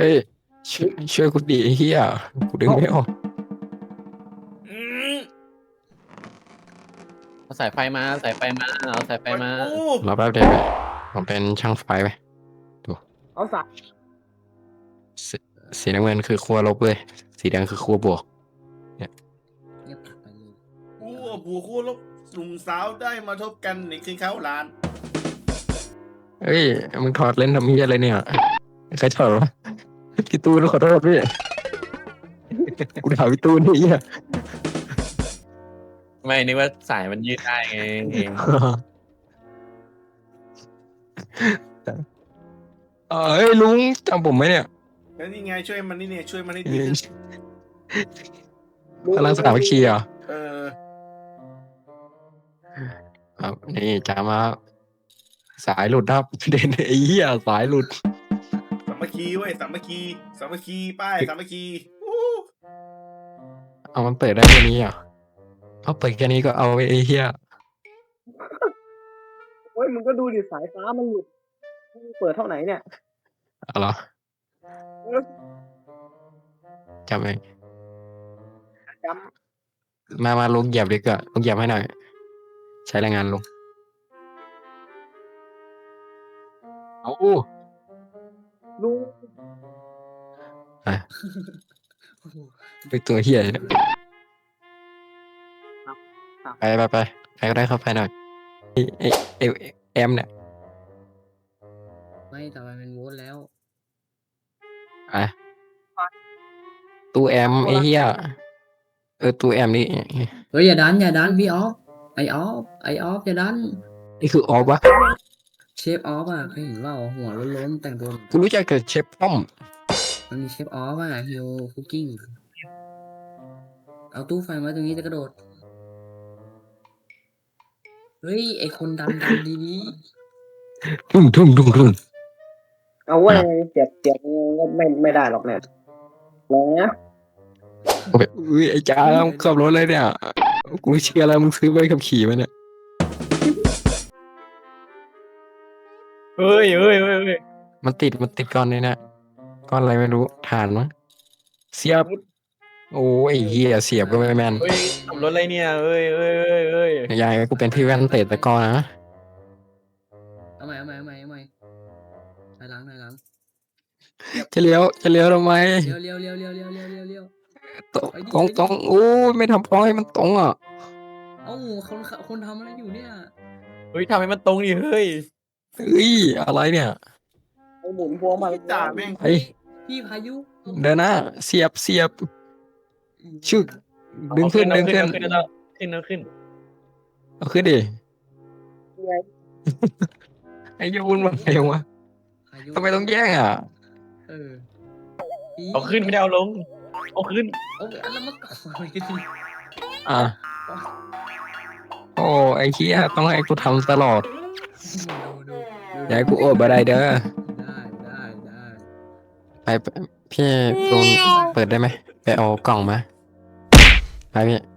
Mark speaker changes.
Speaker 1: เฮ้ยช่วยกูดีไอ้เฮียกูดึง
Speaker 2: เอา
Speaker 1: ไม่ออก
Speaker 3: อืม
Speaker 2: เอาสายไฟมาสายไฟมาเอาสายไฟ
Speaker 3: ปล่อย
Speaker 2: มา
Speaker 3: กู
Speaker 1: รอแป๊บเดียวไปผมเป็นช่างไฟไปดู
Speaker 2: เอาสาย
Speaker 1: สีสีน้ำเงินคือขั้วลบเลยสีแดงคือขั้วบวกเนี่ย
Speaker 2: เงียบไปเลย
Speaker 3: กูผัวคู่ลบหนุ่มสาวได้มาทบกันในคืนเขาลาน
Speaker 1: เอ้ยมึงถอดเล่นทำเฮียอะไรเนี่ยใครถอดวะพี่ตูนขอโทษพี่กูถามพี่ตูนนี่เฮีย
Speaker 2: ไม่นึกว่าสายมันยืดได้ไงเอง
Speaker 1: เอ้ยลุงจำผมไหมเนี่ย
Speaker 3: แล้วนี่ไงช่วยมันนี่เนี่ยช่วยมันให้ดี
Speaker 1: พลังสนามวิคีเหรอ่ะ
Speaker 3: เออ
Speaker 1: ครับนี่จามาสายหลุดครับเด่นไอ้เหี้ยสายหลุด
Speaker 3: สามัคคีเว้ยสามัคคีสามัคคีป้ายสามัคคีอู้
Speaker 1: เอามันเปิดได้แค่นี้เหรอ่ะเอาเปิดแค่นี้ก็เอาไอ้เหี้ย
Speaker 4: เฮ้ยมึงก็ดูดิสายฟ้ามันหลุดมึงเปิดเท่าไหนเนี่ย
Speaker 1: เอาเหรอจำเอง
Speaker 4: จ
Speaker 1: มาลุงเหยียบดีกว่าลุงเหยียบให้หน่อยใช้แรงงานลุงเอา
Speaker 4: ำลุง
Speaker 1: ไปตัวเหี้ยเนี่ยไปใครก็ได้เข้าไปหน่อยไอ้แอมเนี่ย
Speaker 2: ไม่ต่อไปเป็นโวลต์แล้ว
Speaker 1: อ่ะตู้แอมไอ้เหี้ยตู้แอมนี่
Speaker 2: เฮ้ยอย่าดันพี่ออฟไอออฟอย่าดัน
Speaker 1: นี่คือออฟวะ
Speaker 2: เชฟออฟอ่ะเคยเห็นว่าหัวโล้นๆแต่งตัว
Speaker 1: กูรู้จักแต่เชฟป้อม
Speaker 2: มันมีเชฟออฟอ่ะฮิวคุกกิ้งเอาตู้ไฟไว้ตรงนี้จะกระโดดเฮ้ยไอคนดันดี
Speaker 1: ทุ่ม
Speaker 4: เอาเว้ยเจ็บก็ไม่ได้หรอกเนี่ยนะ
Speaker 1: อุ้ยไอ้จ้าขับรถเลยเนี่ยกูเชื่อแล้วมึงซื้อใบขับขี่มาเนี่ย
Speaker 2: เฮ้ย
Speaker 1: มันติดก้อนเลยนะก้อนอะไรไม่รู้ฐานมั้งเสียบโอ้ยไอ้เหี้ยเสียบก็ไม่แม่น
Speaker 2: เฮ้ยขับรถอะไรเนี่ยเอ้ย
Speaker 1: ยายกูเป็นพี่แว่นเตะตะกร้อนะ
Speaker 2: เอาใหม่ถอยหลัง
Speaker 1: จะเลี้ยวทำไม
Speaker 2: เลี้ยว
Speaker 1: ตรงโอ้ยไม่ทำพอให้มันตรงอ่ะ
Speaker 2: เอ้าคนทำอะไรอยู่เนี่ยเฮ้ยทำให้มันตรงดิเฮ้ย
Speaker 1: เฮ้ยอะไรเนี่ย
Speaker 4: ไอ้หมุนพวงมาลัย
Speaker 3: จ่าแม่ง
Speaker 1: ไอ้
Speaker 2: พี่พายุ
Speaker 1: เดินหน้าเสียบชึกดึงขึ้น
Speaker 2: ขึ้น
Speaker 1: เอาขึ้นดิ
Speaker 4: ไง
Speaker 1: ไอ้ยูนมันไงวะ
Speaker 2: พายุ
Speaker 1: ทำไมต้องแย่งอ่ะ
Speaker 2: เออ
Speaker 5: เอาขึ้นไม่ได้เอาลง เอาขึ้น
Speaker 2: เอาอันละมาก่อนเลยดิ
Speaker 1: อ่ะโอ้ไอ้เหี้ยต้องให้กูทำตลอด
Speaker 2: ดู
Speaker 1: อย่าให้กูโอดบ่ได้เด้อ
Speaker 2: ได้
Speaker 1: ไปพี่ตูนเปิดได้ไหมไปเอากล่องมาไปพี่